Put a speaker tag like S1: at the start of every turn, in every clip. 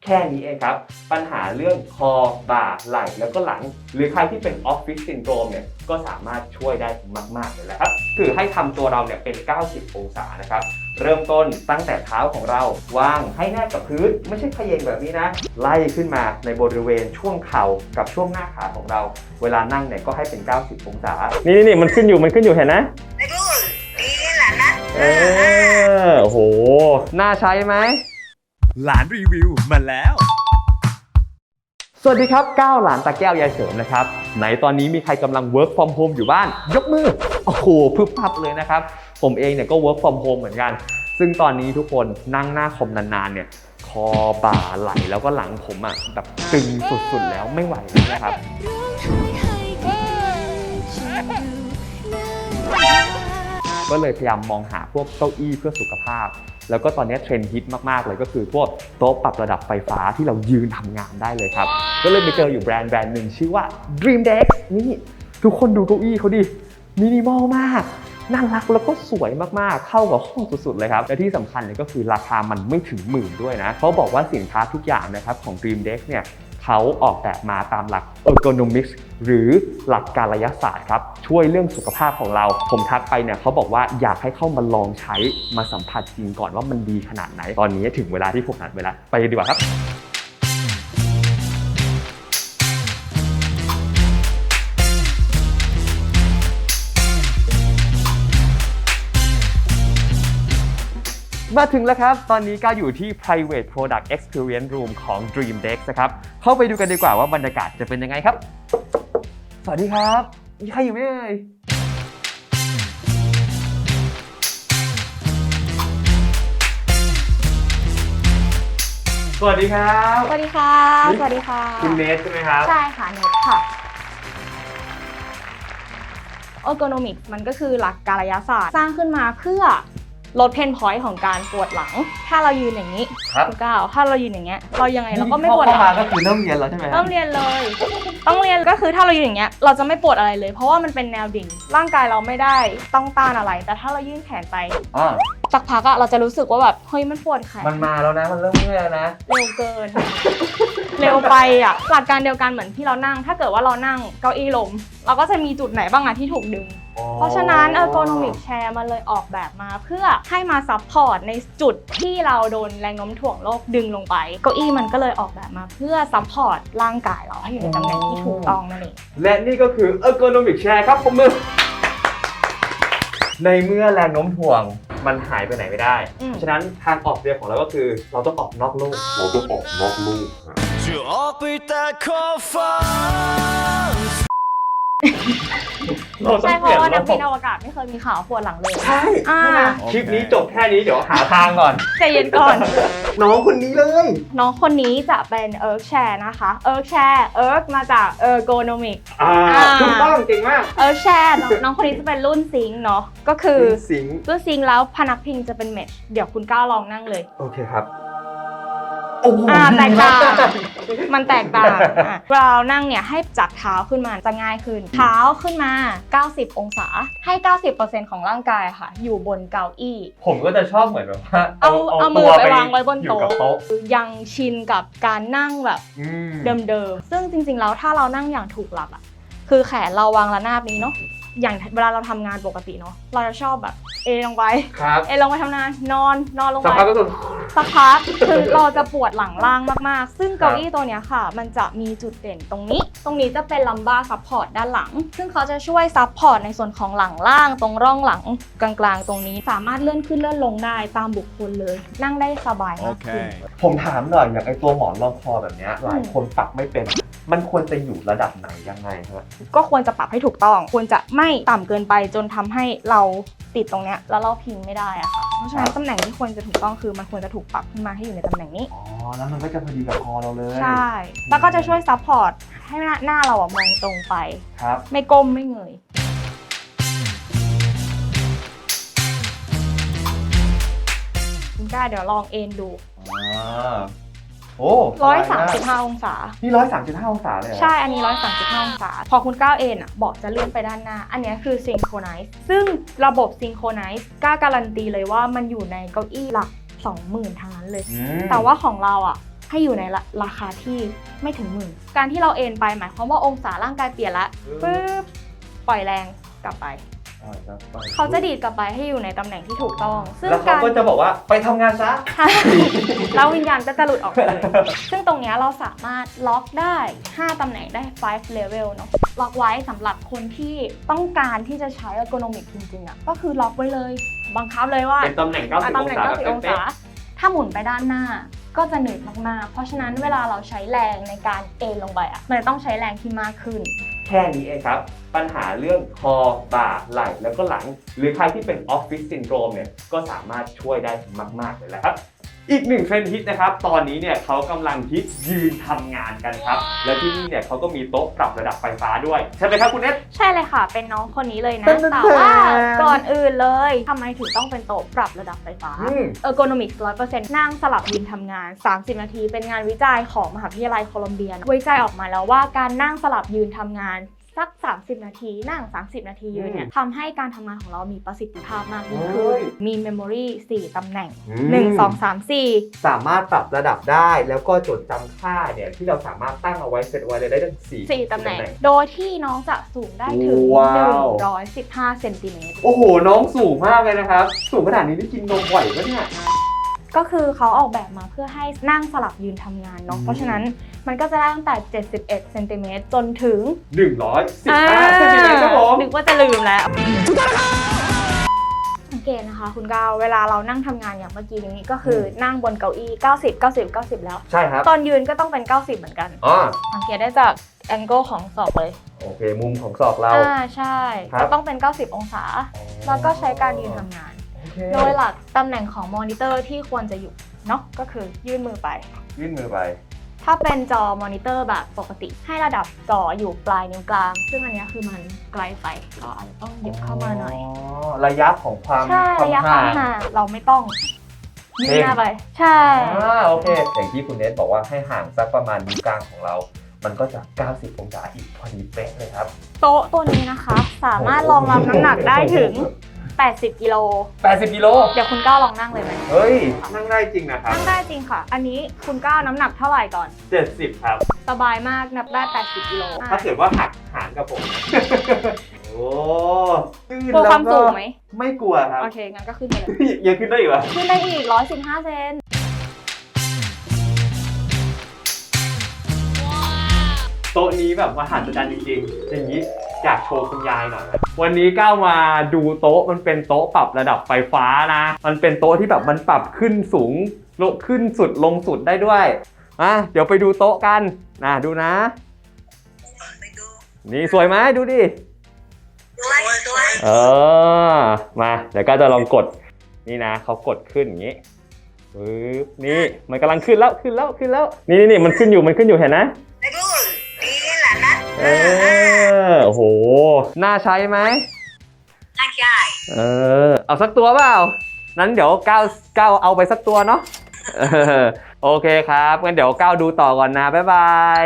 S1: ค่นี้เองครับปัญหาเรื่องคอบ่าไหล่แล้วก็หลังหรือใครที่เป็นออฟฟิศซินโดรมเนี่ยก็สามารถช่วยได้มากๆเลยแหละครับคือให้ทำตัวเราเนี่ยเป็น90องศานะครับเริ่มต้นตั้งแต่เท้าของเราวางให้แนบกับพื้นไม่ใช่เขย่งแบบนี้นะไล่ขึ้นมาในบริเวณช่วงเข่ากับช่วงหน้าขาของเราเวลานั่งเนี่ยก็ให้เป็น90องศานี่มันขึ้นอยู่เห็นนะโอ้โหน่าใช้ไหม
S2: หลานรีวิวมาแล้ว
S1: สวัสดีครับก้าวหลานตาแก้วยายเสริมนะครับไหนตอนนี้มีใครกำลัง work from home อยู่บ้านยกมือโอ้โหพึบพับเลยนะครับผมเองเนี่ยก็ work from home เหมือนกันซึ่งตอนนี้ทุกคนนั่งหน้าคอมนานๆเนี่ยคอบ่าไหล่แล้วก็หลังผมอ่ะแบบตึงสุดๆแล้วไม่ไหวแล้วนะครับก็เลยพยายามมองหาพวกเก้าอี้เพื่อสุขภาพแล้วก็ตอนนี้เทรนด์ฮิตมากๆเลยก็คือพวกโต๊ะปรับระดับไฟฟ้าที่เรายืนทำงานได้เลยครับก็เลยไปเจออยู่แบรนด์หนึ่งชื่อว่า Dream Deck นี่ทุกคนดูเก้าอี้เขาดิมินิมอลมากน่ารักแล้วก็สวยมากๆเข้ากับห้องสุดๆเลยครับและที่สำคัญเลยก็คือราคามันไม่ถึงหมื่นด้วยนะเขาบอกว่าสินค้าทุกอย่างนะครับของ Dream Deck เนี่ยเขาออกแบบมาตามหลัก ergonomics หรือหลักกายศาสตร์ครับช่วยเรื่องสุขภาพของเราผมทักไปเนี่ยเขาบอกว่าอยากให้เข้ามาลองใช้มาสัมผัสจริงก่อนว่ามันดีขนาดไหนตอนนี้ถึงเวลาที่ผมนัดเวลาไปดีกว่าครับมาถึงแล้วครับตอนนี้ก็อยู่ที่ private product experience room ของ Dream Deck นะครับเข้าไปดูกันดีกว่าว่าบรรยากาศจะเป็นยังไงครับสวัสดีครับมีใครอยู่ไหมเอ่ยสวัสดีครับ
S3: สวัสดีค่ะสวัสดีค่ะ
S1: คุณเนทใช่ไหมครับ
S3: ใช่ค่ะเนทค่ะ ergonomics มันก็คือหลักกายศาสตร์สร้างขึ้นมาเพื่อลดเพนพอยต์ของการปวดหลังถ้าเรายืนอย่างนี้คุณก้าวถ้าเรายืนอย่างเงี้ยเรายังไงเราก็ไม่ปวดหลัง
S1: ก็คือเริ่มเรียนแล้วใช่ไหม
S3: เริ่มเรียนเลยต้องเรียนก็คือถ้าเรายืนอย่างเงี้ยเราจะไม่ปวดอะไรเลยเพราะว่ามันเป็นแนวดิ่งร่างกายเราไม่ได้ต้องต้านอะไรแต่ถ้าเรายื่นแขนไปสักพักอะเราจะรู้สึกว่าแบบเฮ้ยมันปวดแขน
S1: มันมาแล้วนะมันเริ่มเมื่อยแล้วนะ
S3: เร็วเกิน เร็วไปอะหลักการเดียวกันเหมือนที่เรานั่งถ้าเกิดว่าเรานั่งเก้าอี้ลมเราก็จะมีจุดไหนบ้างอะที่ถูกดึงเพราะฉะนั้น ergonomic chair มันเลยออกแบบมาเพื่อให้มาซัพพอร์ตในจุดที่เราโดนแรงโน้มถ่วงโลกดึงลงไปเก้าอี้มันก็เลยออกแบบมาเพื่อซัพพอร์ตร่างกายเราให้อยู่ในตำแหน่งที่ถูกต้องนั่นเอง
S1: และนี่ก็คือ ergonomic chair ครับผมมือในเมื่อแรงโน้มถ่วงมันหายไปไหนไม่ได้ฉะนั้นทางออกเดียวของเราก็คือเราต้องออกนอกโลก
S2: จะออกไปแต่ขอบฟ้า
S3: ใช่เพราะว่านักบินอวกาศไม่เคยมีข่าวปวดหลังเลย
S1: ใช่คลิปนี้จบแค่นี้เดี๋ยวหาทางก่อน
S3: ใจเย็นก่อน
S1: น้องคนนี้เลย
S3: น้องคนนี้จะเป็น erg chair นะคะ erg chair erg มาจาก ergonomic
S1: ถูกต้องเก่งมาก
S3: erg chair น้องคนนี้จะเป็นรุ่นซิงค์เนาะก็คือรุ่นซิงค์แล้วพนักพิงจะเป็นเมชเดี๋ยวคุณก้าวลองนั่งเลย
S1: โอเคครับ
S3: แตกต่างมันแตกต่างเรานั่งเนี่ยให้จับเท้าขึ้นมาจะง่ายขึ้นเท้าขึ้นมา90องศาให้ 90% ของร่างกายค่ะอยู่บนเก้าอี้
S1: ผมก็จะชอบเหมือนแบบว่า
S3: เอามือไปวางไว้บนโต๊ะยังชินกับการนั่งแบบเดิมๆซึ่งจริงๆแล้วถ้าเรานั่งอย่างถูกหลักอ่ะคือแขนเราวางระนาบนี้เนาะอย่างเวลาเราทำงานปกติเนาะเราจะชอบแบบลงไปลงไปทำงานนอนลงไปสักพักคือเราจะปวดหลังล่างมากๆซึ่งเก้าอี้ตัวเนี้ยค่ะมันจะมีจุดเด่นตรงนี้จะเป็นลัมบ้าซัพพอร์ตด้านหลังซึ่งเขาจะช่วยซัพพอร์ตในส่วนของหลังล่างตรงร่องหลังกลางๆตรงนี้สามารถเลื่อนขึ้นเลื่อนลงได้ตามบุคคลเลยนั่งได้สบายมากขึ้น
S1: ผมถามหน่อยอย่างไอตัวหมอนรองคอแบบนี้หลายคนปรับไม่เป็นมันควรจะอยู่ระดับไหนยังไงครับ
S3: ก็ควรจะปรับให้ถูกต้องควรจะไม่ต่ำเกินไปจนทำให้เราติดตรงเนี้ยแล้วเราพิงไม่ได้อะค่ะเพราะฉะนั้นตำแหน่งที่ควรจะถูกต้องคือมันควรจะถูกปรับขึ้นมาให้อยู่ในตำแหน่งนี้
S1: แล้วมันก็จะพอดีกับคอเราเลย
S3: ใช่แล้วก็จะช่วยซัพพอร์ตให้หน้าเรามองตรงไป
S1: ครับ
S3: ไม่ก้มไม่เงยคุณกล้าเดี๋ยวลองเอนดู135องศา
S1: นี่135องศาเลย
S3: ใช่อันนี้135องศาพอคุณก้าวเอนเบาะจะเลื่อนไปด้านหน้าอันนี้คือซิงโครไนซ์ซึ่งระบบซิงโครไนซ์กล้าการันตีเลยว่ามันอยู่ในเก้าอี้หลัก 20,000 ทั้งนั้นเลยแต่ว่าของเราให้อยู่ในราคาที่ไม่ถึงหมื่นการที่เราเอนไปหมายความว่าองศาร่างกายเปลี่ยนละปึ๊บปล่อยแรงกลับไปเขาจะดีดกลับไปให้อยู่ในตำแหน่งที่ถูกต้องซึ่ง
S1: แล้วเขาก็จะบอกว่าไปทำงานซะ
S3: แล้ววิญญาณก็จะหลุดออกไปเลย ซึ่งตรงนี้เราสามารถล็อกได้ 5 ตำแหน่งได้ 5 level เนาะล็อกไว้สำหรับคนที่ต้องการที่จะใช้ ergonomic จริงๆอ่ะก็คือล็อกไว้เลยบังคับเลยว่า
S1: เป็นตำแหน่ง90
S3: ตำแหน่ง 90 องศาถ้าหมุนไปด้านหน้าก็จะเหนื่อยมากๆเพราะฉะนั้นเวลาเราใช้แรงในการเอนลงไปอ่ะมันจะต้องใช้แรงที่มากขึ้น
S1: แค่นี้เองครับปัญหาเรื่องคอบ่าไหล่แล้วก็หลังหรือใครที่เป็นออฟฟิศซินโดรมเนี่ยก็สามารถช่วยได้มากๆเลยแหละครับอีกหนึ่งเทรนด์ฮิตนะครับตอนนี้เนี่ยเขากำลังฮิตยืนทำงานกันครับและที่นี่เนี่ยเขาก็มีโต๊ะปรับระดับไฟฟ้าด้วยใช่ไหมครับคุณเนท
S3: ใช่เลยค่ะเป็นน้องคนนี้เลยนะแต่ว่าก่อนอื่นเลยทำไมถึงต้องเป็นโต๊ะปรับระดับไฟฟ้าergonomics 100% นั่งสลับยืนทำงาน30 นาทีเป็นงานวิจัยของมหาวิทยาลัยโคลัมเบียวิจัยออกมาแล้วว่าการนั่งสลับยืนทำงานสัก30 นาทีนั่ง30 นาทียืนเนี่ยทำให้การทำงานของเรามีประสิทธิภาพมากยิ่งขึ้นมี memory 4 ตำแหน่ง1 2 3 4
S4: สามารถปรับระดับได้แล้วก็จดจำค่าเนี่ยที่เราสามารถตั้งเอาไว้เซตไว้ได้ทั้ง4
S3: ตำแหน่งโดยที่น้องจะสูงได้ถึง115 เซนติเมตร
S1: โอ้โหน้องสูงมากเลยนะครับสูงขนาดนี้ได้กินนมไหวปะเนี่ย
S3: ก็คือเขาออกแบบมาเพื่อให้นั่งสลับยืนทำงานเนาะเพราะฉะนั้นมันก็จะได้ตั้งแต่71 เซนติเมตรจนถึง
S1: 115 เซนติเมตรครับผม
S3: นึกว่าจะลืมแล้วสังเกตนะคะคุณก้าวเวลาเรานั่งทำงานอย่างเมื่อกี้นี้ก็คือนั่งบนเก้าอี้90 แล้ว
S4: ใช่ครับ
S3: ตอนยืนก็ต้องเป็น90เหมือนกันสังเกตได้จากแองเกิลของศอกเลย
S4: โอเคมุมของศอกเรา
S3: ใช่ก็ต้องเป็น90 องศาแล้วก็ใช้การยืนทำงานโดยหลักตำแหน่งของมอนิเตอร์ที่ควรจะอยู่เนาะก็คือยื่นมือไปถ้าเป็นจอมอนิเตอร์แบบปกติให้ระดับจออยู่ปลายนิ้วกลางซึ่งอันนี้คือมันไกลไปก็อาจจะต้องหยิบเข้ามาหน่อย
S4: ระยะของความ
S3: ระยะความห่างเราไม่ต้องยื่นหน้าไปใช่
S4: โอเคอย่างที่คุณเนทบอกว่าให้ห่างสักประมาณนิ้วกลางของเรามันก็จะ90 องศาอีกพอดีเป๊ะเลยครับ
S3: โต๊ะตัวนี้นะคะสามารถรองรับน้ำหนักได้ถึง80 กิโลเดี๋ยวคุณก้าวลองนั่งเลยไหม
S4: เฮ้ยนั่งได้จริงนะครับ
S3: นั่งได้จริงค่ะอันนี้คุณก้าวน้ำหนักเท่าไหร่ก่อน
S1: 70ครับ
S3: สบายมากนับได้80 กิโล
S1: ถ้าเกิดว่าหักหารกับผมโอ้
S3: กลัวความสูงไหม
S1: ไม่กลัวครับ
S3: โอเคงั้นก็ขึ้นไปเลย
S1: ยังขึ้นได้อีกเหรอ
S3: ขึ้นได้อีก115 เซน
S1: โต๊ะนี้แบบมหัศจรรย์จริงๆอย่างนี้อยากโชว์คุณยายหน่อยวันนี้ก้าวมาดูโต๊ะมันเป็นโต๊ะปรับระดับไฟฟ้านะมันเป็นโต๊ะที่แบบมันปรับขึ้นสูงลงขึ้นสุดลงสุดได้ด้วยเดี๋ยวไปดูโต๊ะกันดูนะนี่สวยไหมดูดิมาเดี๋ยวก้าวจะลองกดนี่นะเขากดขึ้นอย่างนี้ปึ๊บนี่มันกำลังขึ้นแล้วนี่มันขึ้นอยู่เห็นนะโอ้โหน่าใช้ไหม
S3: น่าใช้
S1: เอาสักตัวเปล่านั้นเดี๋ยวก้าวเอาไปสักตัวเนาะโอเคครับงั้นเดี๋ยวก้าวดูต่อก่อนนะบ๊ายบาย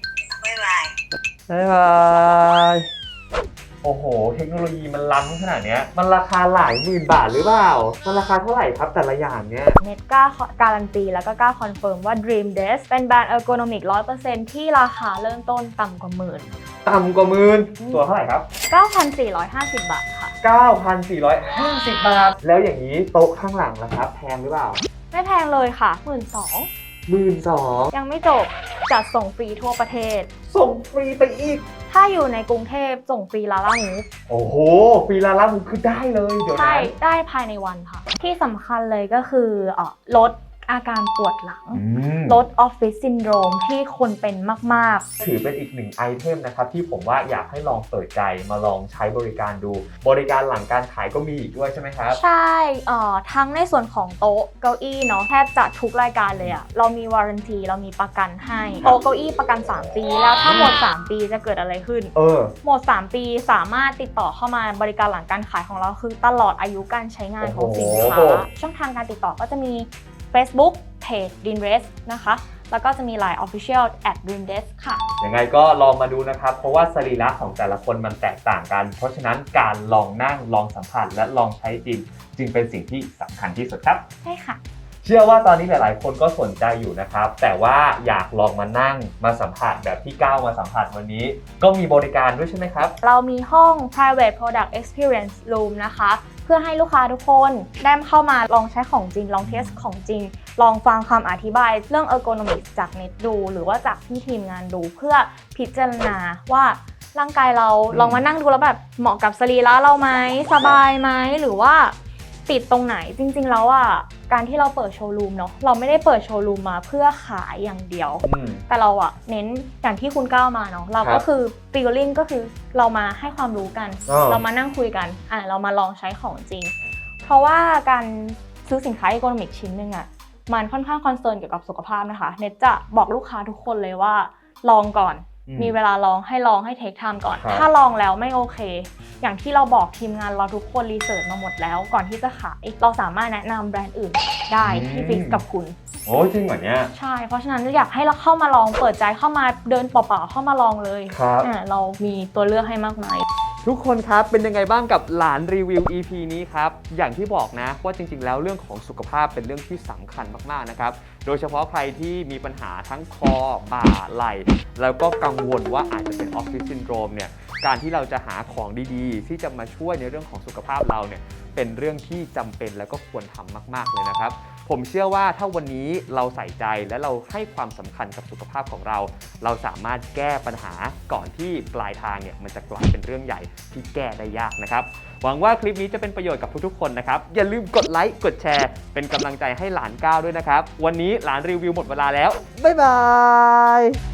S1: โอ้โหเทคโนโลยีมันล้ำขนาดนี้มันราคาหลายหมื่นบาทหรือเปล่ามันราคาเท่าไหร่ครับแต่ละอย่างเนี่ย
S3: เน็ตกล้าการันตีแล้วก็กล้าคอนเฟิร์มว่า Dream Desk เป็นแบรนด์ ergonomic 100% ที่ราคาเริ่มต้นต่ำกว่าหมื่น
S1: ตัวเท่าไหร่ครับ
S3: 9,450 บาทค่ะ
S1: 9,450 บาทแล้วอย่างนี้โต๊ะข้างหลังล่ะครับแพงหรือเปล่า
S3: ไม่แพงเลยค่ะ
S1: 12,000
S3: ยังไม่จบจัดส่งฟรีทั่วประเทศ
S1: ส่งฟรีไปอีก
S3: ถ้าอยู่ในกรุงเทพส่งฟรีลาล่ามูฟ
S1: โอ้โหฟรีลาล่ามูฟคือได้เลยเดี๋ยว
S3: ใช่ได้ภายในวันค่ะที่สำคัญเลยก็คือลดอาการปวดหลังลดออฟฟิศซินโดรมที่คนเป็นมาก
S1: ๆถือเป็นอีกหนึ่งไอเทมนะครับที่ผมว่าอยากให้ลองเปิดใจมาลองใช้บริการดูบริการหลังการขายก็มีอีกด้วยใช่ไหมครับ
S3: ใช่ทั้งในส่วนของโต๊ะเก้าอี้เนาะแทบจะทุกรายการเลยอะเรามีวารันตีเรามีประกันให้โต๊ะเก้าอี้ประกัน3 ปีแล้วถ้าหมด3 ปีจะเกิดอะไรขึ้นหมด3 ปีสามารถติดต่อเข้ามาบริการหลังการขายของเราคือตลอดอายุการใช้งานของสินค้าช่องทางการติดต่อก็จะมีFacebook เพจ Dreamdesk นะคะแล้วก็จะมี Line Official @Dreamdesk ค่ะ
S1: ยังไงก็ลองมาดูนะครับเพราะว่าสรีระของแต่ละคนมันแตกต่างกันเพราะฉะนั้นการลองนั่งลองสัมผัสและลองใช้จริงจึงเป็นสิ่งที่สำคัญที่สุดครับ
S3: ใช่ค่ะ
S4: เชื่อว่าตอนนี้หลายๆ คนก็สนใจอยู่นะครับแต่ว่าอยากลองมานั่งมาสัมผัสแบบที่ก้าวมาสัมผัสวันนี้ก็มีบริการด้วยใช่ไหมครับ
S3: เรามีห้อง private product experience room นะคะเพื่อให้ลูกค้าทุกคนได้เข้ามาลองใช้ของจริงลองเทสของจริง ลองฟังคำอธิบายเรื่อง ergonomics จากเน็ตดูหรือว่าจากที่ทีมงานดูเพื่อพิจารณาว่าร่างกายเราลองมานั่งดูแล้วแบบเหมาะกับสรีระเราไหมสบายไหมหรือว่าติดตรงไหนจริงๆแล้วอ่ะการที่เราเปิดโชว์รูมเนาะเราไม่ได้เปิดโชว์รูมมาเพื่อขายอย่างเดียวแต่เราอะเน้นอย่างที่คุณก้าวมาเนาะเราก็คือฟีลลิ่งก็คือเรามาให้ความรู้กันเรามานั่งคุยกันเรามาลองใช้ของจริงเพราะว่าการซื้อสินค้าอีโคโนมิกชิ้นหนึ่งอะมันค่อนข้างคอนเซิร์นเกี่ยวกับสุขภาพนะคะเน็ตจะบอกลูกค้าทุกคนเลยว่าลองก่อนมีเวลาลองให้เทคไทม์ก่อนถ้าลองแล้วไม่โอเคอย่างที่เราบอกทีมงานเราทุกคนรีเสิร์ชมาหมดแล้วก่อนที่จะขายเราสามารถแนะนำแบรนด์อื่นได้ที่ฟิกกับคุณ
S4: โอ้จริงเหรอเนี่ย
S3: ใช่เพราะฉะนั้นอยากให้เราเข้ามาลองเปิดใจเข้ามาเดินเปล่าๆเข้ามาลองเลย
S4: ครับ
S3: เรามีตัวเลือกให้มากมาย
S1: ทุกคนครับเป็นยังไงบ้างกับหลานรีวิว EP นี้ครับอย่างที่บอกนะว่าจริงๆแล้วเรื่องของสุขภาพเป็นเรื่องที่สำคัญมากๆนะครับโดยเฉพาะใครที่มีปัญหาทั้งคอบ่าไหล่แล้วก็กังวลว่าอาจจะเป็นออฟฟิศซินโดรมเนี่ยการที่เราจะหาของดีๆที่จะมาช่วยในเรื่องของสุขภาพเราเนี่ยเป็นเรื่องที่จำเป็นแล้วก็ควรทำมากๆเลยนะครับผมเชื่อว่าถ้าวันนี้เราใส่ใจและเราให้ความสำคัญกับสุขภาพของเราเราสามารถแก้ปัญหาก่อนที่ปลายทางเนี่ยมันจะกลายเป็นเรื่องใหญ่ที่แก้ได้ยากนะครับหวังว่าคลิปนี้จะเป็นประโยชน์กับทุกๆคนนะครับอย่าลืมกดไลค์กดแชร์เป็นกำลังใจให้หลานก้าวด้วยนะครับวันนี้หลานรีวิวหมดเวลาแล้วบ๊ายบาย